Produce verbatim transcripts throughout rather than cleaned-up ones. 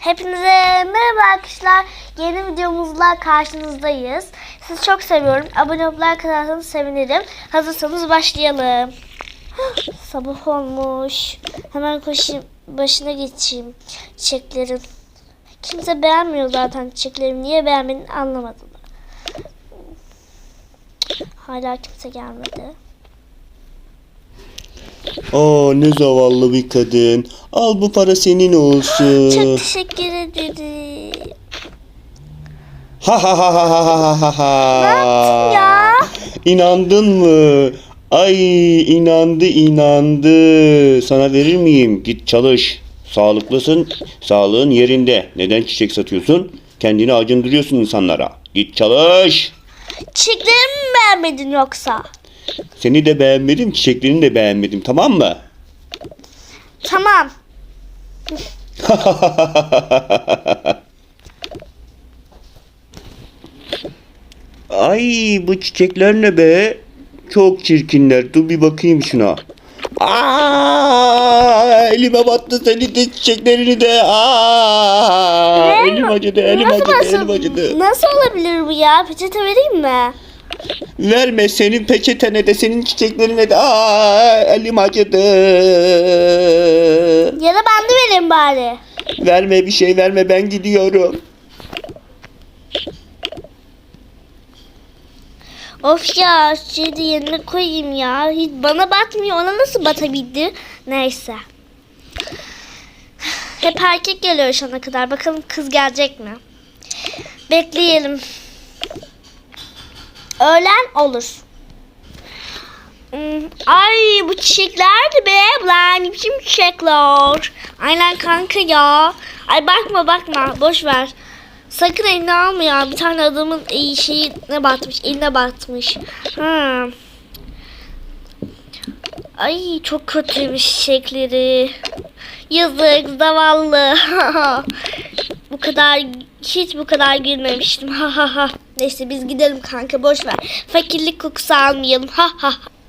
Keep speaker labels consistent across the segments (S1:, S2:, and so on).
S1: Hepinize merhaba arkadaşlar. Yeni videomuzla karşınızdayız. Sizi çok seviyorum. Abone olup like atarsanız sevinirim. Hazırsanız başlayalım. Sabah olmuş. Hemen koşayım. Başına geçeyim çiçeklerin. Kimse beğenmiyor zaten çiçeklerimi. Niye beğenmediğini anlamadım. Hala kimse gelmedi.
S2: Aa, ne zavallı bir kadın. Al, bu para senin olsun.
S1: Çok teşekkür ederim.
S2: Ha ha ha ha ha ha ha.
S1: Ne yaptın ya?
S2: İnandın mı? Ay, inandı inandı. Sana verir miyim? Git çalış. Sağlıklısın. Sağlığın yerinde. Neden çiçek satıyorsun? Kendini acındırıyorsun insanlara. Git çalış.
S1: Çiçeklerimi mi beğenmedin yoksa?
S2: Seni de beğenmedim, çiçeklerini de beğenmedim. Tamam mı?
S1: Tamam.
S2: Ay, bu çiçekler ne be? Çok çirkinler. Dur bir bakayım şuna. Aa, elime battı senin de çiçeklerini de. Aa,
S1: Ne?
S2: elim acıdı, elim
S1: Nasıl
S2: acıdı,
S1: basın-
S2: elim acıdı.
S1: Nasıl olabilir bu ya? Peçete vereyim mi?
S2: Verme, senin peçetene de senin çiçeklerine de. Aa, elim acıdı.
S1: Ya da ben de vereyim bari.
S2: Verme, bir şey verme, ben gidiyorum.
S1: Of ya, şeyde yerine koyayım ya. Hiç bana batmıyor. Ona nasıl batabildi? Neyse. Hep erkek geliyor şu ana kadar. Bakalım kız gelecek mi? Bekleyelim. Öğlen olur. Hmm, Ay, bu çiçekler de be. Lan ne biçim çiçekler. Aynen kanka ya. Ay bakma bakma. Boş ver. Sakın eline alma ya. Bir tane adamın iyi şeyine batmış. Eline batmış. Ha. Ay çok kötüymüş çiçekleri. Yazık zavallı. Bu kadar hiç bu kadar gülmemiştim. Ha ha ha. Neyse biz gidelim kanka, boş ver. Fakirlik kokusu almayalım. Ha ha.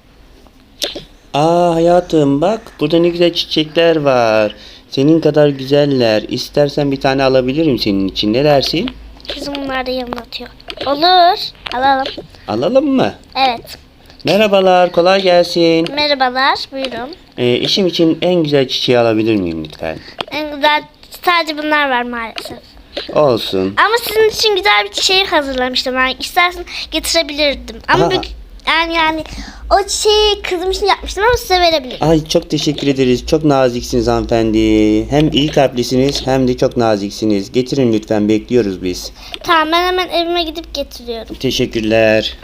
S2: Aa hayatım, bak burada ne güzel çiçekler var. Senin kadar güzeller. İstersen bir tane alabilirim senin için. Ne dersin?
S1: Kızım bunlar da yanına atıyor. Olur. Alalım.
S2: Alalım mı?
S1: Evet.
S2: Merhabalar, kolay gelsin.
S1: Merhabalar. Buyurun.
S2: Ee, işim için en güzel çiçeği alabilir miyim lütfen?
S1: En güzel sadece bunlar var maalesef.
S2: Olsun.
S1: Ama sizin için güzel bir çiçeği hazırlamıştım ben. İstersen getirebilirdim. Ama
S2: Aa.
S1: bir, yani yani o çiçeği kızım için yapmıştım ama size verebilirim.
S2: Ay, çok teşekkür ederiz. Çok naziksiniz hanımefendi. Hem iyi kalplisiniz hem de çok naziksiniz. Getirin lütfen, bekliyoruz biz.
S1: Tamam, ben hemen evime gidip getiriyorum.
S2: Teşekkürler.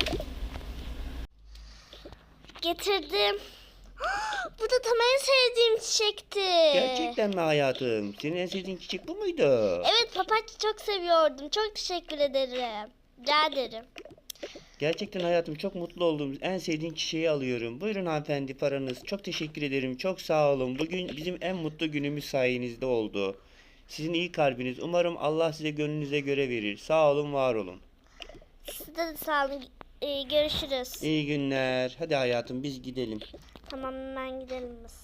S1: Getirdim. Bu da tam en sevdiğim çiçekti.
S2: Gerçekten mi hayatım? Senin en sevdiğin çiçek bu muydu?
S1: Evet, papatya çok seviyordum. Çok teşekkür ederim. Rica ederim.
S2: Gerçekten hayatım, çok mutlu oldum. En sevdiğin çiçeği alıyorum. Buyurun hanımefendi, paranız. Çok teşekkür ederim. Çok sağ olun. Bugün bizim en mutlu günümüz sayenizde oldu. Sizin iyi kalbiniz. Umarım Allah size gönlünüze göre verir. Sağ olun, var olun.
S1: Size de sağ olun. Ee, görüşürüz.
S2: İyi günler. Hadi hayatım, biz gidelim.
S1: Tamam, hemen gidelim biz.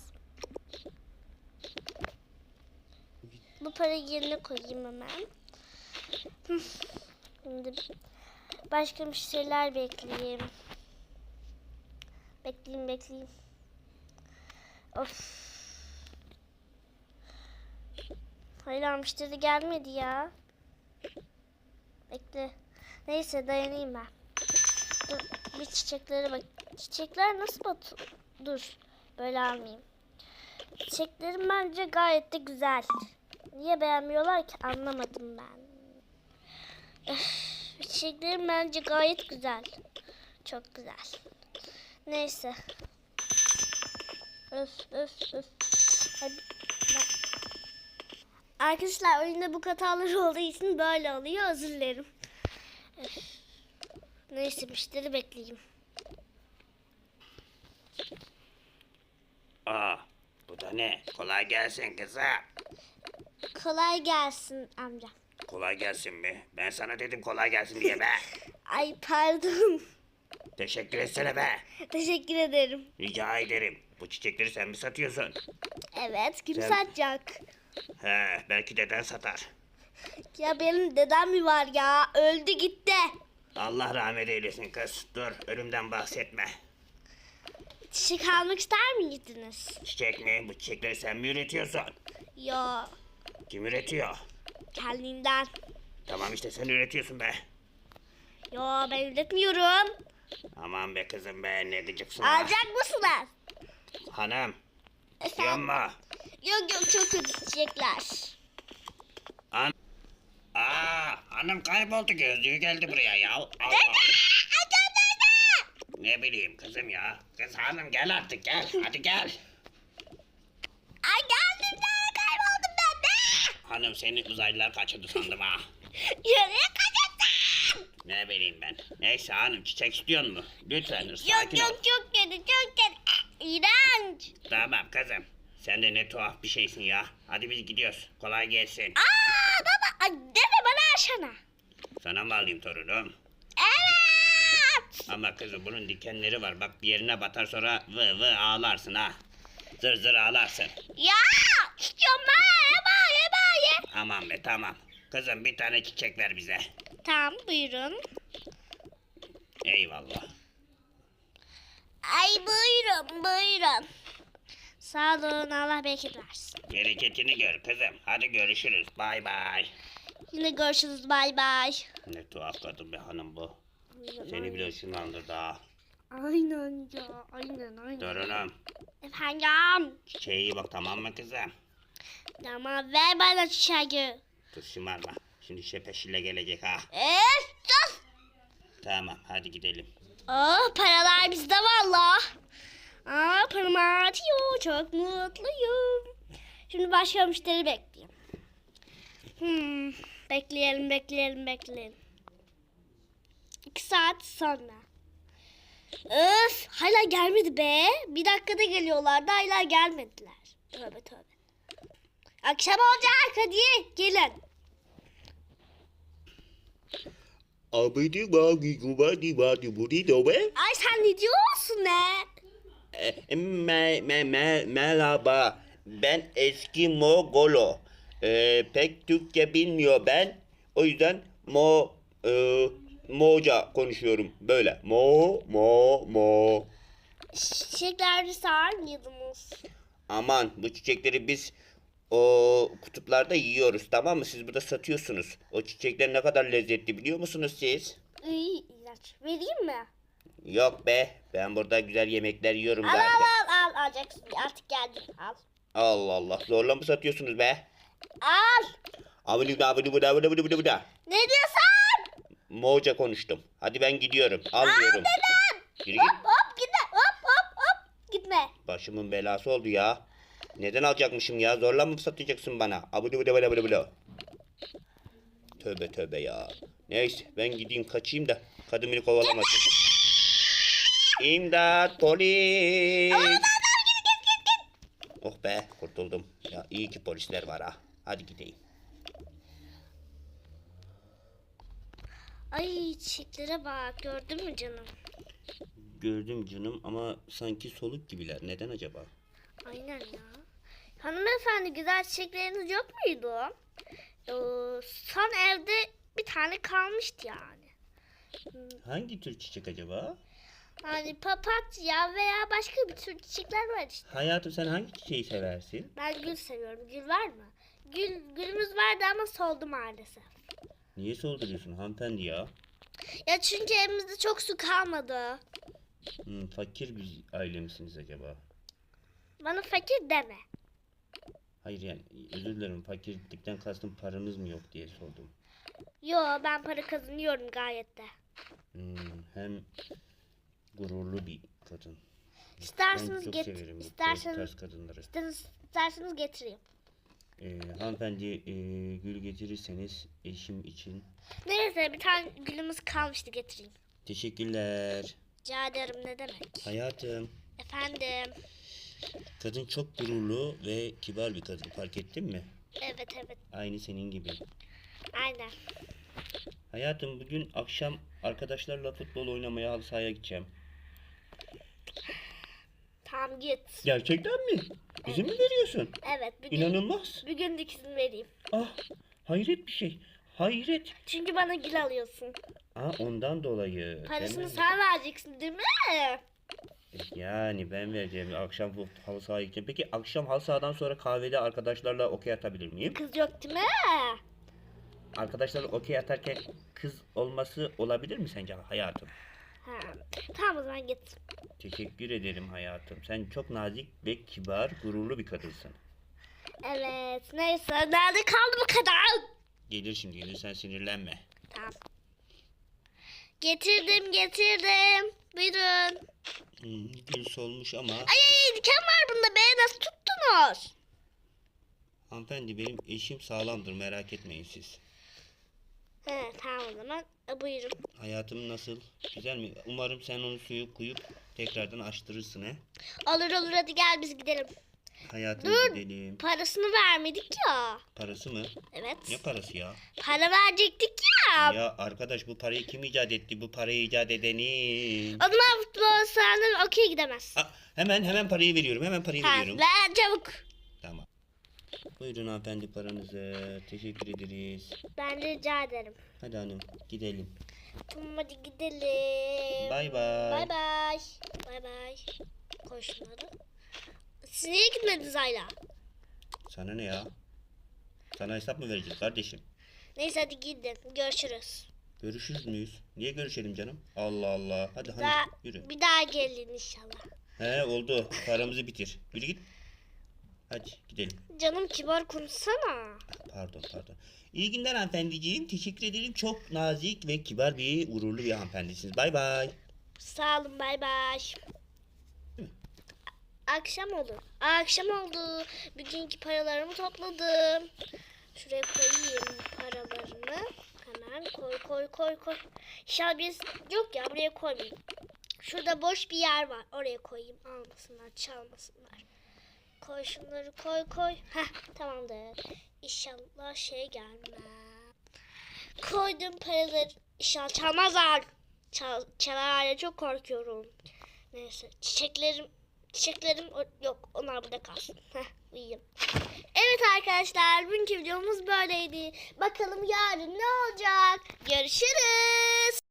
S1: Bu parayı yerine koyayım hemen. Hı. Şimdi başka bir şeyler bekleyeyim. Bekleyeyim bekleyeyim. Of. Hala müşteri gelmedi ya. Bekle. Neyse, dayanayım ben. Dur, bir çiçeklere bak. Çiçekler nasıl bat... Dur. Böyle almayayım. Çiçeklerim bence gayet de güzel. Niye beğenmiyorlar ki, anlamadım ben. Öf, çiçeklerim bence gayet güzel. Çok güzel. Neyse. Öf öf öf. Hadi. Ben... Arkadaşlar, oyunda bu hatalar olduğu için böyle oluyor. Özür dilerim. Öf. Neyse, müşteri bekleyeyim.
S2: Aa, bu da ne? Kolay gelsin kızım.
S1: Kolay gelsin amca.
S2: Kolay gelsin mi? Ben sana dedim kolay gelsin diye be.
S1: Ay pardon.
S2: Teşekkür etsene be.
S1: Teşekkür ederim.
S2: Rica ederim. Bu çiçekleri sen mi satıyorsun?
S1: Evet, kim
S2: Sen-
S1: satacak?
S2: He, belki deden satar.
S1: Ya benim dedem mi var ya? Öldü gitti.
S2: Allah rahmet eylesin kız. Dur, ölümden bahsetme.
S1: Çiçek almak ister miydiniz?
S2: Çiçek mi? Bu çiçekleri sen mi üretiyorsun?
S1: Yo,
S2: Kim üretiyor?
S1: kendinden.
S2: Tamam işte sen üretiyorsun be.
S1: Yo, ben üretmiyorum.
S2: Aman be kızım be, ne gıcıksın ha.
S1: Alacak mısınız?
S2: Hanım,
S1: Efendim?
S2: yanma.
S1: Yok yok, çok kötü çiçekler.
S2: An Aa, hanım kayboldu, gözlüğü geldi buraya ya. Allah. Ne bileyim kızım ya. Kız hanım gel artık gel. Hadi gel.
S1: Ay geldim, nereye kayboldum ben de?
S2: Hanım seni uzaylılar kaçırdı sandım ha.
S1: Nereye kaçırdın?
S2: Ne bileyim ben. Neyse hanım çiçek istiyor mu? Lütfen sakin
S1: Yok
S2: ol.
S1: yok, çok kötü, çok kötü. İğrenç.
S2: Tamam kızım. Sen de ne tuhaf bir şeysin ya. Hadi biz gidiyoruz. Kolay gelsin.
S1: Aa baba, ay, deme bana aşana.
S2: Sana mı alayım torunum?
S1: Evet.
S2: Ama kızım bunun dikenleri var. Bak bir yerine batar sonra vı vı ağlarsın ha. Zır zır ağlarsın.
S1: Ya istiyorum ben, yeme yeme ye.
S2: Aman be tamam. Kızım bir tane çiçek ver bize.
S1: Tamam, buyurun.
S2: Eyvallah.
S1: Ay buyurun buyurun. Sağ olun, Allah bereket versin.
S2: Bereketini gör kızım. Hadi görüşürüz. Bay bay.
S1: Yine görüşürüz, bay bay.
S2: Ne tuhaf kadın be hanım bu. Seni bile ışınlandırdı ha.
S1: Aynen ya, aynen aynen.
S2: Torunum.
S1: Efendim.
S2: Çiçeğe iyi bak tamam mı kızım?
S1: Tamam, ver bana çiçeği.
S2: Kız şımarma. Şimdi şepeşille gelecek ha.
S1: Eee sus.
S2: Tamam hadi gidelim.
S1: Oh, paralar bizde valla. Aa, param artıyor, çok mutluyum. Şimdi başka müşteri bekleyeyim. Hmm, bekleyelim bekleyelim bekleyelim. İki saat sonra. Öf, hala gelmedi be. Bir dakikada geliyorlardı, hala gelmediler. Tövbe tövbe. Akşam olacak, hadi gelin.
S2: Abidi bagi gubadi badi budi dobe.
S1: Ay sen ne diyorsun ne?
S2: E, Me, me, me, merhaba. Ben eski Mogolo. E, pek Türkçe bilmiyor ben. O yüzden Mo e, Moca konuşuyorum. Böyle. Mo mo mo.
S1: Çiçekleri sağır mıydınız?
S2: Aman bu çiçekleri biz o kutuplarda yiyoruz tamam mı? Siz burada satıyorsunuz. O çiçekler ne kadar lezzetli biliyor musunuz siz?
S1: İyi, ilaç. Vereyim mi?
S2: Yok be. Ben burada güzel yemekler yiyorum
S1: Al
S2: zaten.
S1: al al al, alacaksın. Artık geldim, al.
S2: Allah Allah. Zorla mı satıyorsunuz be?
S1: Al.
S2: Avlı da avlı bu da avlı bu da bu da.
S1: Ne diyorsun?
S2: Moğolca konuştum. Hadi ben gidiyorum. Almıyorum.
S1: Dedim.
S2: Yürü git.
S1: Hop hop gitme, hop hop hop. Gitme.
S2: Başımın belası oldu ya. Neden alacakmışım ya? Zorla mı satacaksın bana? Abıdı bıdı bıdı bıdı bıdı. Tövbe tövbe ya. Neyse ben gideyim kaçayım da kadın beni kovalamasın. İmdat polis. Oh be kurtuldum. Ya iyi ki polisler var ha. Hadi gideyim.
S1: Ay, çiçeklere bak, gördün mü canım?
S2: Gördüm canım ama sanki soluk gibiler. Neden acaba?
S1: Aynen ya. Hanımefendi, güzel çiçekleriniz yok muydu? Ee, son evde bir tane kalmıştı yani.
S2: Hangi tür çiçek acaba?
S1: Hani papatya veya başka bir tür çiçekler var işte.
S2: Hayatım sen hangi çiçeği seversin?
S1: Ben gül seviyorum. Gül var mı? Gül, gülümüz vardı ama soldu maalesef.
S2: Niye solduruyorsun hanımefendi ya?
S1: Ya çünkü evimizde çok su kalmadı.
S2: Hmm, fakir bir aile misiniz acaba?
S1: Bana fakir deme.
S2: Hayır yani özür dilerim fakirlikten kastım paranız mı yok diye sordum.
S1: Yo, ben para kazanıyorum gayet de.
S2: Hmm, hem gururlu bir kadın.
S1: İsterseniz
S2: ben çok
S1: get
S2: severim bu
S1: isterseniz
S2: tarz kadınları.
S1: isterseniz, isterseniz getireyim.
S2: Ee, hanımefendi e, gül getirirseniz eşim için
S1: Neyse, bir tane gülümüz kalmıştı, getireyim.
S2: teşekkürler.
S1: Rica ederim, ne demek.
S2: Hayatım
S1: Efendim.
S2: kadın çok gururlu ve kibar bir kadın fark ettin mi?
S1: Evet evet,
S2: Aynı senin gibi.
S1: aynen.
S2: Hayatım bugün akşam arkadaşlarla futbol oynamaya halı sahaya gideceğim.
S1: Tamam, git.
S2: Gerçekten mi? İzin mi veriyorsun?
S1: Evet, bugün,
S2: İnanılmaz.
S1: bugün de izin vereyim.
S2: Ah, Hayret bir şey. Hayret.
S1: Çünkü bana gül alıyorsun.
S2: Aa, ondan dolayı.
S1: Parasını
S2: Hemen-
S1: sen vereceksin değil mi?
S2: Yani ben vereceğim. Akşam bu halı sahaya gideceğim. Peki akşam halı sahadan sonra kahvede arkadaşlarla okey atabilir miyim?
S1: Kız yok değil mi?
S2: Arkadaşlarla okey atarken kız olması olabilir mi sence hayatım?
S1: Ha. Tamam o zaman git.
S2: Teşekkür ederim hayatım. Sen çok nazik ve kibar, gururlu bir kadınsın.
S1: Evet. Neyse. Nerede kaldı bu kadar?
S2: Gelir şimdi gelir, sen sinirlenme.
S1: Tamam. Getirdim getirdim. Buyurun.
S2: Hmm, gül solmuş ama
S1: Ay ay diken var bunda be. Nasıl tuttunuz?
S2: hanımefendi benim eşim sağlamdır, merak etmeyin siz.
S1: He tamam o zaman. E, buyurun.
S2: Hayatım nasıl? Güzel mi? Umarım sen onu suyu koyup tekrardan açtırırsın he.
S1: Olur olur hadi gel biz gidelim.
S2: Hayatım
S1: Dur.
S2: gidelim.
S1: Parasını vermedik ya.
S2: Parası mı?
S1: Evet.
S2: Ne parası ya?
S1: Para verecektik ya.
S2: Ya arkadaş, bu parayı kim icat etti? Bu parayı icat edenin.
S1: O zaman futbol sahada okey gidemez.
S2: Aa, hemen hemen parayı veriyorum. Hemen parayı
S1: Ha,
S2: veriyorum.
S1: ver çabuk.
S2: Tamam. Buyurun hanımefendi paranızı. Teşekkür ederiz.
S1: Ben de rica ederim.
S2: Hadi hanım gidelim.
S1: Tamam hadi gidelim.
S2: Bay bay.
S1: Bay bay. Bay bay. Koy şunları. Siz niye gitmediniz Ayla?
S2: Sana ne ya? Sana hesap mı vereceğiz kardeşim?
S1: Neyse hadi gidin. Görüşürüz.
S2: Görüşürüz müyüz? Niye görüşelim canım? Allah Allah. Hadi hadi
S1: Daha,
S2: yürü.
S1: bir daha gelin inşallah.
S2: He oldu. Paramızı bitir. Yürü git. Hadi gidelim.
S1: Canım kibar konuşsana.
S2: Pardon pardon. İyi günler hanımefendiciğim. Teşekkür ederim. Çok nazik ve kibar bir, gururlu bir hanımefendisiniz. Bay bay.
S1: Sağ olun bay bay. Akşam oldu. Akşam oldu. Bugünkü paralarımı topladım. Şuraya koyayım paralarını. Hemen koy koy koy koy. İnşallah biz yok ya buraya koymayayım. Şurada boş bir yer var. Oraya koyayım. Almasınlar, çalmasınlar. Koy şunları koy koy. Heh tamamdır. İnşallah şey gelmez. Koydum paraları. İnşallah çalmazlar. Çal, çalarlar çok korkuyorum. Neyse çiçeklerim çiçeklerim o- yok onlar burada kalsın. Heh uyuyayım. Evet arkadaşlar bugünkü videomuz böyleydi. Bakalım yarın ne olacak? Görüşürüz.